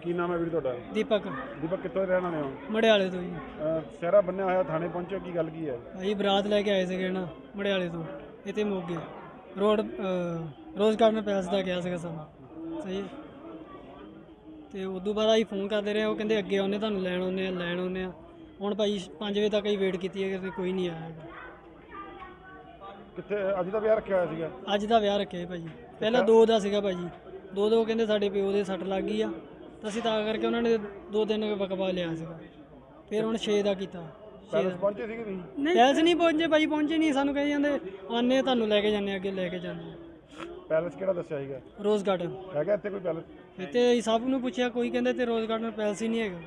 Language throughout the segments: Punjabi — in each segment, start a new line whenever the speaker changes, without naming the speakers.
ਕੀ ਨਾਮ ਹੈ ਵੀਰ ਤੁਹਾਡਾ?
ਦੀਪਕ।
ਦੀਪਕ ਕਿੱਥੋਂ ਦੇ ਰਹਿਣ ਵਾਲੇ ਹੋ?
ਮੜਿਆਲੇ ਤੋਂ ਜੀ।
ਸਿਹਰਾ ਬੰਨਿਆ ਹੋਇਆ ਥਾਣੇ ਪਹੁੰਚੇ, ਕੀ ਗੱਲ ਕੀ ਹੈ?
ਭਾਈ ਬਰਾਤ ਲੈ ਕੇ ਆਏ ਸੀਗੇ ਨਾ ਮੜਿਆਲੇ ਤੋਂ, ਇੱਥੇ ਮੋਗੇ ਰੋਡ ਰੋਜ਼ ਗਾਰਡਨ ਪੈਲਸ ਦਾ ਗਿਆ ਸੀਗਾ ਸਾਨੂੰ। ਸਹੀ ਹੈ। ਤੇ ਉਦੋਂ ਬਾਅਦ ਅਸੀਂ ਫੋਨ ਕਰਦੇ ਰਹੇ, ਉਹ ਕਹਿੰਦੇ ਅੱਗੇ ਆਉਂਦੇ ਤੁਹਾਨੂੰ ਲੈਣ ਆਉਂਦੇ ਆ। ਹੁਣ ਭਾਈ 5 ਵਜੇ ਤੱਕ ਹੀ ਵੇਟ ਕੀਤੀ ਹੈ ਕਿ ਕੋਈ ਨਹੀਂ ਆਇਆ ਹੈਗਾ।
ਕਿੱਥੇ ਅੱਜ ਦਾ ਵਿਆਹ ਰੱਖਿਆ ਹੋਇਆ ਸੀਗਾ?
ਅੱਜ ਦਾ ਵਿਆਹ ਰੱਖਿਆ ਭਾਜੀ, ਪਹਿਲਾਂ 2 ਦਾ ਸੀਗਾ ਭਾਜੀ। 2 ਕਹਿੰਦੇ ਸਾਡੇ ਪਿਓ ਦੇ ਸੱਟ ਲੱਗ ਗਈ ਆ, ਤਾਂ ਅਸੀਂ ਤਾਂ ਕਰਕੇ ਉਹਨਾਂ ਨੇ 2 ਦਿਨ ਵਕਵਾ ਲਿਆ ਸੀਗਾ। ਫਿਰ ਹੁਣ 6 ਦਾ ਕੀਤਾ।
ਪੈਲਸ ਪਹੁੰਚੇ ਸੀਗੇ ਤੁਸੀਂ?
ਪੈਲਸ ਨਹੀਂ ਪਹੁੰਚੇ ਭਾਜੀ, ਪਹੁੰਚੇ ਨਹੀਂ। ਸਾਨੂੰ ਕਹੀ ਜਾਂਦੇ ਆਨੇ ਤੁਹਾਨੂੰ ਲੈ ਕੇ ਜਾਂਦੇ, ਅੱਗੇ ਲੈ ਕੇ ਜਾਂਦੇ।
ਪੈਲਸ ਕਿਹੜਾ ਦੱਸਿਆ ਸੀਗਾ?
ਰੋਜ਼ ਗਾਰਡਨ
ਹੈਗਾ ਇੱਥੇ ਕੋਈ ਪੈਲਸ?
ਇੱਥੇ ਅਸੀਂ ਸਭ ਨੂੰ ਪੁੱਛਿਆ, ਕੋਈ ਕਹਿੰਦੇ ਤੇ ਰੋਜ਼ ਗਾਰਡਨ ਪੈਲਸ ਹੀ ਨਹੀਂ ਹੈਗਾ।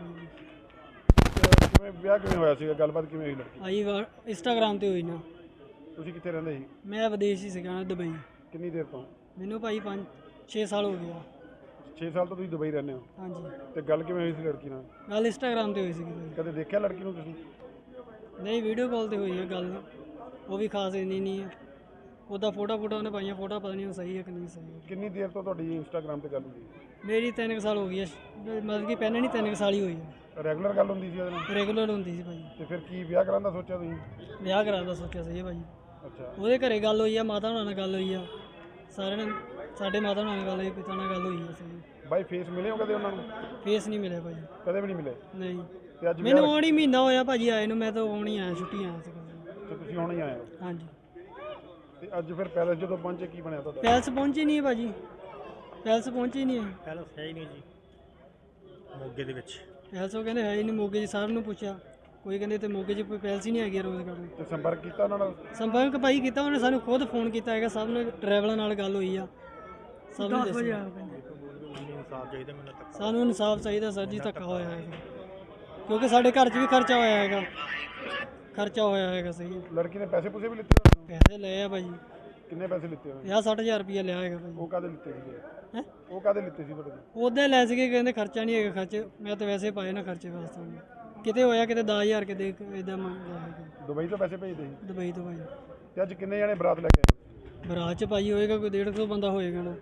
ਕਿਵੇਂ ਵਿਆਹ ਕਿਵੇਂ ਹੋਇਆ ਸੀਗਾ? ਗੱਲਬਾਤ ਕਿਵੇਂ ਹੋਈ ਲੜਕੀ?
ਆਈ ਇੰਸਟਾਗ੍ਰਾਮ ਤੇ ਹੋਈ ਨਾ।
ਤੁਸੀਂ ਕਿੱਥੇ ਰਹਿੰਦੇ ਸੀ?
ਮੈਂ ਵਿਦੇਸ਼ ਹੀ ਸੀਗਾ, ਦੁਬਈ।
ਕਿੰਨੀ ਦੇਰ ਤੋਂ?
ਮੈਨੂੰ ਭਾਈ 5-6 ਸਾਲ ਹੋ ਗਿਆ।
6 ਸਾਲ ਤੋਂ ਤੁਸੀਂ ਦੁਬਈ ਰਹਿੰਦੇ ਹੋ?
ਹਾਂਜੀ।
ਤੇ ਗੱਲ ਕਿਵੇਂ ਹੋਈ ਸੀ ਲੜਕੀ ਨਾਲ?
ਗੱਲ ਇੰਸਟਾਗ੍ਰਾਮ ਤੇ ਹੋਈ ਸੀਗੀ ਭਾਈ।
ਕਦੇ ਦੇਖਿਆ ਲੜਕੀ ਨੂੰ ਤੁਸੀਂ?
ਨਹੀਂ, ਵੀਡੀਓ ਕਾਲ ਤੇ ਹੋਈ ਹੈ ਗੱਲ, ਉਹ ਵੀ ਖਾਸ ਇੰਨੀ ਨਹੀਂ ਹੈ। ਉਹਦਾ ਫੋਟੋ ਉਹਨੇ ਪਾਈਆਂ, ਫੋਟੋ ਪਤਾ ਨਹੀਂ ਸਹੀ ਹੈ ਕਿ ਨਹੀਂ ਸਹੀ ਹੈ।
ਕਿੰਨੀ ਦੇਰ ਤੋਂ ਤੁਹਾਡੀ ਇੰਸਟਾਗ੍ਰਾਮ ਤੇ ਗੱਲ ਹੁੰਦੀ?
ਮੇਰੀ 3 ਸਾਲ ਹੋ ਗਈ ਹੈ, ਮਤਲਬ ਕਿ ਪਹਿਲਾਂ ਨਹੀਂ 3 ਸਾਲ ਹੀ ਹੋਈ ਹੈ।
ਰੈਗੂਲਰ ਗੱਲ ਹੁੰਦੀ ਸੀ ਉਹਦੇ ਨਾਲ?
ਰੈਗੂਲਰ ਹੁੰਦੀ ਸੀ ਭਾਈ।
ਤੇ ਫਿਰ ਕੀ ਵਿਆਹ ਕਰਾਉਣ ਦਾ ਸੋਚਿਆ ਤੁਸੀਂ?
ਵਿਆਹ ਕਰਾਉਣ ਦਾ ਸੋਚਿਆ ਸੀ ਭਾਈ।
ਅੱਛਾ।
ਉਹਦੇ ਘਰੇ ਗੱਲ ਹੋਈ ਆ, ਮਾਤਾ ਹੋਣਾ ਨਾਲ ਗੱਲ ਹੋਈ ਆ, ਸਾਰਿਆਂ ਨੇ ਸਾਡੇ ਮਾਤਾ ਹੋਣਾ ਨਾਲ ਗੱਲ ਹੋਈ, ਪਿਤਾ ਨਾਲ ਗੱਲ ਹੋਈ ਆ। ਸਹੀ
ਬਾਈ ਫੇਸ ਮਿਲੇ ਹੋ ਕਦੇ ਉਹਨਾਂ ਨੂੰ?
ਫੇਸ ਨਹੀਂ ਮਿਲਿਆ ਭਾਈ,
ਕਦੇ ਵੀ ਨਹੀਂ ਮਿਲੇ?
ਨਹੀਂ।
ਤੇ ਅੱਜ
ਮੈਨੂੰ ਆਉਣ ਹੀ ਮਹੀਨਾ ਹੋਇਆ ਭਾਜੀ ਆਏ ਨੂੰ, ਮੈਂ ਤਾਂ ਆਉਣ ਹੀ ਆਇਆ, ਛੁੱਟੀ ਆਇਆ ਸੀ।
ਤੇ ਤੁਸੀਂ ਹੁਣ ਹੀ ਆਏ ਹੋ?
ਹਾਂਜੀ।
ਤੇ ਅੱਜ ਫਿਰ ਪੈਲਸ ਜਦੋਂ ਪਹੁੰਚੇ ਕੀ ਬਣਿਆ ਤੁਹਾਡਾ?
ਪੈਲਸ ਪਹੁੰਚੀ ਨਹੀਂ ਭਾਜੀ, ਪੈਲਸ ਪਹੁੰਚੀ ਨਹੀਂ ਹੈ।
ਪੈਲਸ ਹੈ ਹੀ ਨਹੀਂ ਜੀ ਮੋਗੇ ਦੇ ਵਿੱਚ।
ਪੈਲਸ ਉਹ ਕਹਿੰਦੇ ਹੈ ਹੀ ਨਹੀਂ ਮੋਗੇ 'ਚ। ਸਾਰਿਆਂ ਨੂੰ ਪੁੱਛਿਆ, ਕੋਈ ਕਹਿੰਦੇ ਤੇ ਮੋਗੇ 'ਚ ਕੋਈ ਪੈਲਸ ਹੀ ਨਹੀਂ ਹੈਗੀ ਰੋਜ਼ ਗਾਰਡਨ।
ਤੇ ਸੰਪਰਕ ਕੀਤਾ ਉਹਨਾਂ ਨਾਲ?
ਸੰਪਰਕ ਭਾਈ ਕੀਤਾ, ਉਹਨੇ ਸਾਨੂੰ ਖੁਦ ਫੋਨ ਕੀਤਾ ਹੈਗਾ। ਸਭ ਨੇ ਡਰਾਈਵਰਾਂ ਨਾਲ ਗੱਲ ਹੋਈ ਆ, ਸਭ ਨੂੰ ਦੱਸਿਆ।
ਇਨਸਾਫ ਚਾਹੀਦਾ ਮੈਨੂੰ ਤੱਕ।
ਸਾਨੂੰ ਇਨਸਾਫ ਚਾਹੀਦਾ ਸਰ ਜੀ, ਧੱਕਾ ਹੋਇਆ ਹੈਗਾ, ਕਿਉਂਕਿ ਸਾਡੇ ਘਰ 'ਚ ਵੀ ਖਰਚਾ ਹੋਇਆ ਹੈਗਾ, ਖਰਚਾ ਹੋਇਆ ਹੈਗਾ। ਸਹੀ ਹੈ।
ਲੜਕੀ ਨੇ ਪੈਸੇ ਪੂਸੇ ਵੀ ਲਿੱਤੇ ਹੋਏ?
ਪੈਸੇ ਲਏ ਆ ਭਾਜੀ।
ਕਿੰਨੇ ਪੈਸੇ ਲਿੱਤੇ ਹੋਏ?
50-60 ਰੁਪਇਆ ਲਿਆ ਹੈਗਾ ਭਾਜੀ।
ਉਹ ਕਾਹਦੇ ਲਿੱਤੇ ਸੀਗੇ?
ਹੈਂ?
ਉਹ ਕਾਹਦੇ ਲਿੱਤੇ ਸੀ ਤੁਹਾਡੇ?
ਉਹਦੇ ਲੈ ਸੀਗੇ, ਕਹਿੰਦੇ ਖਰਚਾ ਨਹੀਂ ਹੈਗਾ। ਖਰਚੇ ਮੈਂ ਤਾਂ ਵੈਸੇ ਪਾਏ ਨਾ ਖਰਚੇ ਵਾਸਤੇ। ਕਿਤੇ ਹੋਇਆ ਕਿਤੇ 10,000 ਕਿਤੇ ਇਦਾਂ ਮੰਗਦਾ ਹੈਗਾ।
ਦੁਬਈ ਤੋਂ ਪੈਸੇ ਭੇਜਦੇ ਸੀ?
ਦੁਬਈ ਤੋਂ ਭਾਈ।
ਤੇ ਅੱਜ ਕਿੰਨੇ ਜਣੇ ਬਰਾਤ ਲੈ ਕੇ ਆਏ?
ਬਰਾਤ 'ਚ ਭਾਈ ਹੋਏਗਾ ਕੋਈ 150 ਬੰਦਾ ਹੋਏਗਾ ਨਾ।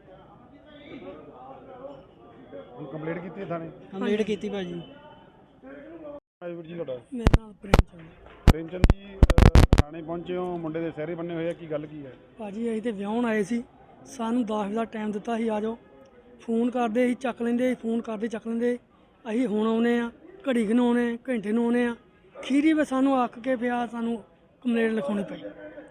ਹੁਣ ਕੰਪਲੀਟ ਕੀਤੀ ਹੈ ਥਾਣੇ?
ਕੰਪਲੀਟ ਕੀਤੀ ਭਾਜੀ।
ਵੀਰ ਜੀ ਤੁਹਾਡਾ?
ਮੇਰਾ ਨਾਮ
ਪ੍ਰੇਮਚੰਦ ਜੀ, ਥਾਣੇ ਪਹੁੰਚੇ ਹੋ, ਮੁੰਡੇ ਦੇ ਸਿਹਰੇ ਬੰਨੇ ਹੋਏ ਆ, ਕੀ ਗੱਲ ਕੀ ਹੈ?
ਭਾਜੀ ਅਸੀਂ ਤੇ ਵਿਆਹੁਣ ਆਏ ਸੀ, ਸਾਨੂੰ 10 ਦਾ ਟਾਈਮ ਦਿੱਤਾ ਸੀ, ਆ ਜਾਓ। ਫੋਨ ਕਰਦੇ ਅਸੀਂ ਚੱਕ ਲੈਂਦੇ, ਫੋਨ ਕਰਦੇ ਚੱਕ ਲੈਂਦੇ। ਅਸੀਂ ਹੁਣ ਆਉਨੇ ਆ, ਘੜੀ ਕੁ ਨੂੰ ਆਉਨੇ, ਘੰਟੇ ਨੂੰ ਆਉਨੇ ਆ। ਖੀਰੀ ਵੀ ਸਾਨੂੰ ਅੱਕ ਕੇ ਪਿਆ, ਸਾਨੂੰ ਕੰਪਲੇਂਟ ਲਿਖਾਉਣੀ ਪਈ।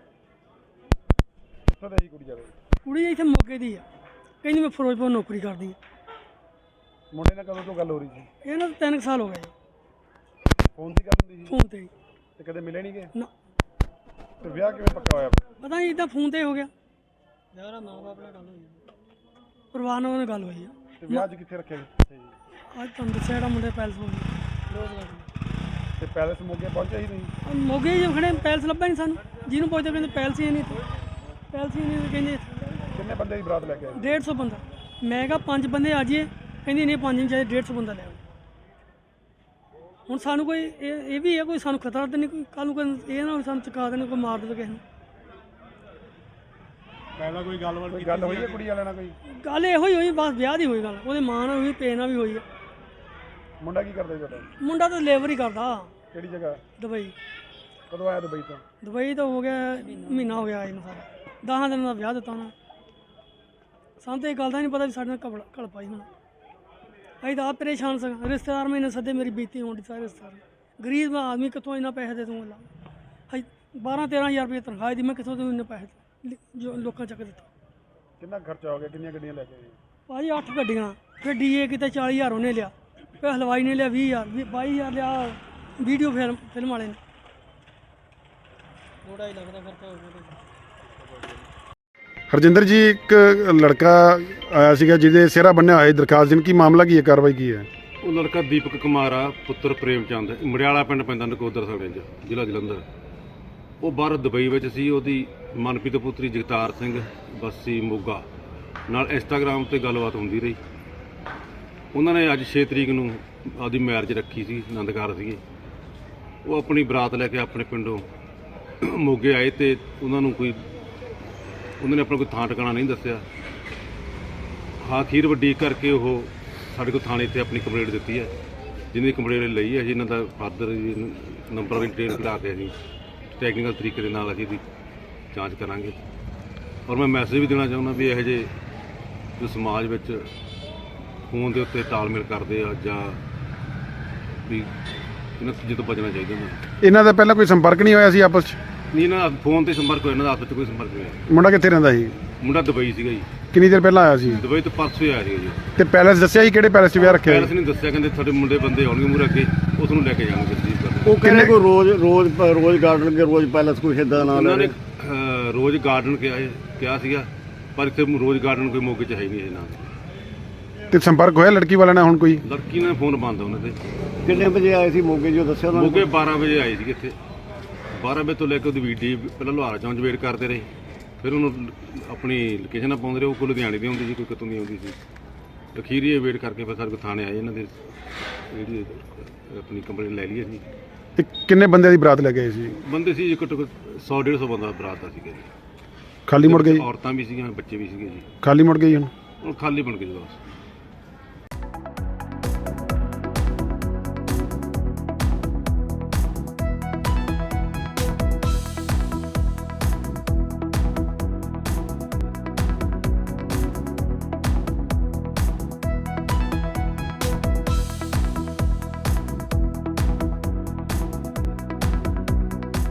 ਕਿੱਥੋਂ ਦੀ ਕੁੜੀ ਜਾਵੇ?
ਕੁੜੀ ਇੱਥੇ ਮੋਗੇ ਦੀ ਆ, ਕਹਿੰਦੀ ਮੈਂ ਫਿਰੋਜ਼ਪੁਰ ਨੌਕਰੀ ਕਰਦੀ ਆ।
ਮੁੰਡੇ ਨਾਲ ਕਦੋਂ ਤੋਂ ਗੱਲ ਹੋ ਰਹੀ ਸੀ?
ਇਹਨਾਂ ਨੂੰ 3 ਸਾਲ ਹੋ ਗਏ
ਫੋਨ ਦੀ ਗੱਲ ਹੁੰਦੀ ਸੀ?
ਫੋਨ ਤੇ।
ਤੇ ਕਦੇ ਮਿਲੇ ਨਹੀਂ ਗਏ?
ਨਾ
ਤੇ ਵਿਆਹ ਕਿਵੇਂ ਪੱਕਾ ਹੋਇਆ?
ਪਤਾ ਨਹੀਂ, ਇੱਦਾਂ ਫੋਨ ਤੇ ਹੋ ਗਿਆ।
ਯਾਰ ਮਾਂ ਬਾਪ ਨਾਲ ਗੱਲ ਹੋਈ
ਪਰਿਵਾਰ ਨਾਲ ਗੱਲ ਹੋਈ ਆ।
ਤੇ ਵਿਆਹ ਅੱਜ ਕਿੱਥੇ ਰੱਖਿਆ ਸੀ?
ਅੱਜ ਤੁਹਾਨੂੰ ਦੱਸਿਆ ਜਿਹੜਾ ਮੁੰਡੇ ਪੈਲਸ ਹੋ ਗਿਆ।
Rose garden.
ਤੇ ਪੈਲਸ ਮੋਗੇ ਪਹੁੰਚਿਆ ਹੀ ਨਹੀਂ?
ਮੋਗੇ ਹੀ ਖੜੇ, ਪੈਲਸ ਲੱਭਾ ਨਹੀਂ ਸਾਨੂੰ। ਜਿਹਨੂੰ ਪੁੱਛਦੇ ਕਹਿੰਦੇ ਪੈਲਸ ਹੀ ਨਹੀਂ ਇੱਥੇ, ਪੈਲਸ ਹੀ ਨਹੀਂ। ਕਹਿੰਦੇ
ਕਿੰਨੇ ਬੰਦੇ ਦੀ ਬਰਾਤ ਲੈ ਕੇ ਆਏ?
150 ਬੰਦਾ। ਮੈਂ ਕਿਹਾ 5 ਬੰਦੇ ਆ ਜਾਈਏ, ਕਹਿੰਦੀ ਨਹੀਂ 5 ਨਹੀਂ ਚਾਹੀਦੇ, 150 ਬੰਦਾ ਲੈ ਆਓ। ਹੁਣ ਸਾਨੂੰ ਕੋਈ ਇਹ ਵੀ ਹੈ, ਕੋਈ ਸਾਨੂੰ ਖਤਰਾ ਤਾਂ ਨਹੀਂ, ਕੋਈ ਕੱਲ੍ਹ ਨੂੰ ਕੋਈ ਇਹ ਨਾ ਹੋਵੇ ਸਾਨੂੰ ਚੁਕਾ ਦੇਣ, ਕੋਈ ਮਾਰ ਦੇਵੇ ਕਿਸੇ ਨੂੰ।
ਪਹਿਲਾਂ ਕੋਈ ਗੱਲ ਹੋਈ ਹੈ ਕੁੜੀ ਵਾਲਿਆਂ ਨਾਲ? ਕੋਈ
ਗੱਲ ਇਹੋ ਹੀ ਹੋਈ, ਬਸ ਵਿਆਹ ਦੀ ਹੋਈ ਗੱਲ। ਉਹਦੇ ਮਾਂ ਨਾਲ ਹੋਈ, ਪੇ ਨਾਲ ਵੀ ਹੋਈ ਹੈ।
ਮੁੰਡਾ ਕੀ ਕਰਦਾ ਜੀ ਤੁਹਾਡਾ?
ਮੁੰਡਾ ਤਾਂ ਲੇਬਰ ਹੀ ਕਰਦਾ।
ਕਿਹੜੀ ਜਗ੍ਹਾ?
ਦੁਬਈ।
ਕਦੋਂ ਆਇਆ ਦੁਬਈ ਤੋਂ?
ਦੁਬਈ ਤਾਂ ਹੋ ਗਿਆ ਮਹੀਨਾ ਹੋ ਗਿਆ ਇਹਨੂੰ ਸਾਰਾ। 10 ਦਿਨ ਦਾ ਵਿਆਹ ਦਿੱਤਾ ਉਹਨਾਂ। ਸਾਨੂੰ ਤਾਂ ਇਹ ਗੱਲ ਦਾ ਨਹੀਂ ਪਤਾ ਵੀ ਸਾਡੇ ਨਾਲ ਘਲ ਪਾਈ ਹੁਣ। ਅਸੀਂ ਤਾਂ ਆਪ ਪਰੇਸ਼ਾਨ ਸਾਂ। ਰਿਸ਼ਤੇਦਾਰ ਮੈਨੇ ਸੱਦੇ, ਮੇਰੀ ਬੀਤੀ ਹੋਣ ਦੀ। ਸਾਰੇ ਰਿਸ਼ਤੇਦਾਰ ਗਰੀਬ ਆਦਮੀ, ਕਿੱਥੋਂ ਇੰਨਾ ਪੈਸੇ ਦੇ ਦੂੰਗਾ? ਹਾਂ 12-13 ਹਜ਼ਾਰ ਰੁਪਏ ਤਨਖਾਹ ਦੀ, ਮੈਂ ਕਿੱਥੋਂ ਦੂੰ ਇੰਨੇ ਪੈਸੇ ਜੋ ਲੋਕਾਂ ਚੱਕ ਦਿੱਤਾ।
ਕਿੰਨਾ ਖਰਚਾ ਹੋ ਗਿਆ? ਕਿੰਨੀਆਂ ਗੱਡੀਆਂ ਲੈ ਕੇ ਆਏ?
ਭਾਜੀ 8 ਗੱਡੀਆਂ, ਫਿਰ ਡੀਏ ਕਿਤੇ 40,000 ਉਹਨੇ ਲਿਆ, ਫਿਰ ਹਲਵਾਈ ਨੇ ਲਿਆ 20,000, 22,000 ਲਿਆ ਵੀਡੀਓ ਫਿਲਮ ਵਾਲੇ ਨੇ।
ਥੋੜਾ ਹੀ ਲੱਗਦਾ ਖਰਚਾ ਹੋ ਗਿਆ।
ਹਰਜਿੰਦਰ ਜੀ, ਇੱਕ ਲੜਕਾ ਆਇਆ ਸੀਗਾ ਜਿਹਦੇ ਸਿਹਰਾ ਬੰਨਿਆ ਹੋਇਆ ਦਰਖਾਸਤ ਦੇਣ, ਕੀ ਮਾਮਲਾ ਕੀ ਹੈ, ਕਾਰਵਾਈ ਕੀ ਹੈ?
ਉਹ ਲੜਕਾ ਦੀਪਕ ਕੁਮਾਰ ਆ, ਪੁੱਤਰ ਪ੍ਰੇਮਚੰਦ, ਮੜਿਆਲਾ ਪਿੰਡ ਪੈਂਦਾ, ਨਕੋਦਰ ਸਾਡੇ 'ਚ, ਜ਼ਿਲ੍ਹਾ ਜਲੰਧਰ। ਉਹ ਬਾਹਰ ਦੁਬਈ ਵਿੱਚ ਸੀ। ਉਹਦੀ ਮਨਪ੍ਰੀਤ ਪੁੱਤਰੀ ਜਗਤਾਰ ਸਿੰਘ ਬੱਸੀ ਮੋਗਾ ਨਾਲ ਇੰਸਟਾਗ੍ਰਾਮ ਤੇ ਗੱਲਬਾਤ ਹੁੰਦੀ ਰਹੀ। ਉਹਨਾਂ ਨੇ ਅੱਜ 6 ਤਰੀਕ ਨੂੰ ਆਪਦੀ ਮੈਰਿਜ ਰੱਖੀ ਸੀ, ਆਨੰਦਕਾਰ ਸੀਗੇ। ਉਹ ਆਪਣੀ ਬਰਾਤ ਲੈ ਕੇ ਆਪਣੇ ਪਿੰਡੋਂ ਮੋਗੇ ਆਏ ਤੇ ਉਹਨਾਂ ਨੇ ਆਪਣਾ ਕੋਈ ਥਾਂ ਟਿਕਾਣਾ ਨਹੀਂ ਦੱਸਿਆ। ਅਖੀਰ ਵੱਡੀ ਕਰਕੇ ਉਹ ਸਾਡੇ ਕੋਲ ਥਾਣੇ ਤੇ ਆਪਣੀ ਕੰਪਲੇਂਟ ਦਿੱਤੀ ਹੈ, ਜਿਹਦੀ ਕੰਪਲੇਂਟ ਲਈ ਹੈ ਅਸੀਂ ਇਹਨਾਂ ਦਾ ਫਾਦਰ ਨੰਬਰ ਵੀ ਡਿਟੇਲ ਕਢਾ ਕੇ ਅਸੀਂ ਟੈਕਨੀਕਲ ਤਰੀਕੇ ਦੇ ਨਾਲ ਅਸੀਂ ਇਹਦੀ ਜਾਂਚ ਕਰਾਂਗੇ। ਔਰ ਮੈਂ ਮੈਸੇਜ ਵੀ ਦੇਣਾ ਚਾਹੁੰਦਾ ਵੀ ਇਹੋ ਜਿਹੇ ਜੋ ਸਮਾਜ ਵਿੱਚ ਫੋਨ ਦੇ ਉੱਤੇ ਤਾਲਮੇਲ ਕਰਦੇ ਆ ਜਾਂ ਵੀ ਇਹਨਾਂ ਚੀਜ਼ਾਂ ਤੋਂ ਬਚਣਾ ਚਾਹੀਦਾ ਇਹਨਾਂ ਨੂੰ।
ਇਹਨਾਂ ਦਾ ਪਹਿਲਾਂ ਕੋਈ ਸੰਪਰਕ ਨਹੀਂ ਹੋਇਆ ਸੀ ਆਪਸ 'ਚ?
ਨਹੀਂ, ਇਹਨਾਂ ਦਾ ਫੋਨ ਤੇ ਸੰਪਰਕ ਹੋਇਆ, ਇਹਨਾਂ ਦਾ ਆਪਸ ਵਿੱਚ ਕੋਈ ਸੰਪਰਕ ਨਹੀਂ ਹੋਇਆ।
ਮੁੰਡਾ ਕਿੱਥੇ ਰਹਿੰਦਾ ਸੀ?
ਮੁੰਡਾ ਦੁਬਈ ਸੀਗਾ ਜੀ,
ਕਿੰਨੀ ਦੇਰ ਪਹਿਲਾਂ ਆਇਆ ਸੀ?
ਦੁਬਈ ਤੋਂ ਪਰਸੋਂ ਹੀ ਆਇਆ ਸੀਗਾ ਜੀ।
ਤੇ ਪੈਲਸ ਦੱਸਿਆ ਸੀ ਕਿਹੜੇ ਪੈਲਸ 'ਚ ਵਿਆਹ ਰੱਖਿਆ
ਪੈਲਸ
ਸੀ?
ਨੇ ਦੱਸਿਆ, ਕਹਿੰਦੇ ਤੁਹਾਡੇ ਮੁੰਡੇ ਬੰਦੇ ਆਉਣਗੇ ਮੂਹਰੇ ਅੱਗੇ, ਉਸ ਨੂੰ ਲੈ ਕੇ ਜਾਣਗੇ ਤਸਦੀਕ ਕਰਨ।
ਉਹ ਕਹਿੰਦੇ ਕੋਈ ਰੋਜ਼ ਗਾਰਡਨ ਕੇ ਰੋਜ਼ ਪੈਲਸ ਕੋਈ ਏਦਾਂ ਦਾ
ਉਹਨਾਂ
ਨਾਮ
ਨੇ ਰੋਜ਼ ਗਾਰਡਨ ਕਿਹਾ ਸੀਗਾ, ਪਰ ਇੱਥੇ ਰੋਜ਼ ਗਾਰਡਨ ਕੋਈ ਮੌਕੇ 'ਚ ਹੈ ਹੀ ਨਹੀਂ ਇਹ ਨਾਲ।
ਤੇ ਸੰਪਰਕ ਹੋਇਆ ਲੜਕੀ ਵਾਲਿਆਂ ਨਾਲ ਹੁਣ ਕੋਈ?
ਲੜਕੀ ਨੇ ਫੋਨ ਬੰਦ ਉਹਨਾਂ ਦੇ।
ਕਿੰਨੇ ਵਜੇ ਆਏ ਸੀ ਮੋਗੇ ਜੋ ਦੱਸਿਆ ਉਹਨਾਂ
ਮੋਗੇ 12 ਵਜੇ ਆਏ ਸੀਗੇ ਇੱਥੇ। 12 ਵਜੇ ਤੋਂ ਲੈ ਕੇ ਉਹਦੀ ਵੀਡੀਓ ਪਹਿਲਾਂ ਲੁਹਾਰਾ ਚੌਂਕ 'ਚ ਵੇਟ ਕਰਦੇ ਰਹੇ, ਫਿਰ ਉਹਨੂੰ ਆਪਣੀ ਲੋਕੇਸ਼ਨਾਂ ਪਾਉਂਦੇ ਰਹੇ। ਉਹ ਕੋਈ ਲੁਧਿਆਣੇ ਦੀ ਆਉਂਦੀ ਸੀ, ਕੋਈ ਕਿਤੋਂ ਦੀ ਆਉਂਦੀ ਸੀ। ਅਖੀਰੀ ਵੇਟ ਕਰਕੇ ਫਿਰ ਸਾਡੇ ਕੋਲ ਥਾਣੇ ਆਏ, ਇਹਨਾਂ ਦੇ ਜਿਹੜੀ ਆਪਣੀ ਕੰਪਲੇਂਟ ਲੈ ਲਈ ਅਸੀਂ।
ਤੇ ਕਿੰਨੇ ਬੰਦਿਆਂ ਦੀ ਬਰਾਤ ਲੈ ਗਏ ਸੀ?
ਬੰਦੇ ਸੀ ਘੱਟੋ ਘੱਟ 100-150 ਬੰਦਾ ਬਰਾਤ ਦਾ ਸੀਗਾ ਜੀ।
ਖਾਲੀ ਮੁੜ ਗਈ?
ਔਰਤਾਂ ਵੀ ਸੀਗੀਆਂ, ਬੱਚੇ ਵੀ ਸੀਗੇ ਜੀ।
ਖਾਲੀ ਮੁੜ ਗਈ ਹੁਣ?
ਹੁਣ ਖਾਲੀ ਬਣ ਗਏ ਜੀ ਬਸ।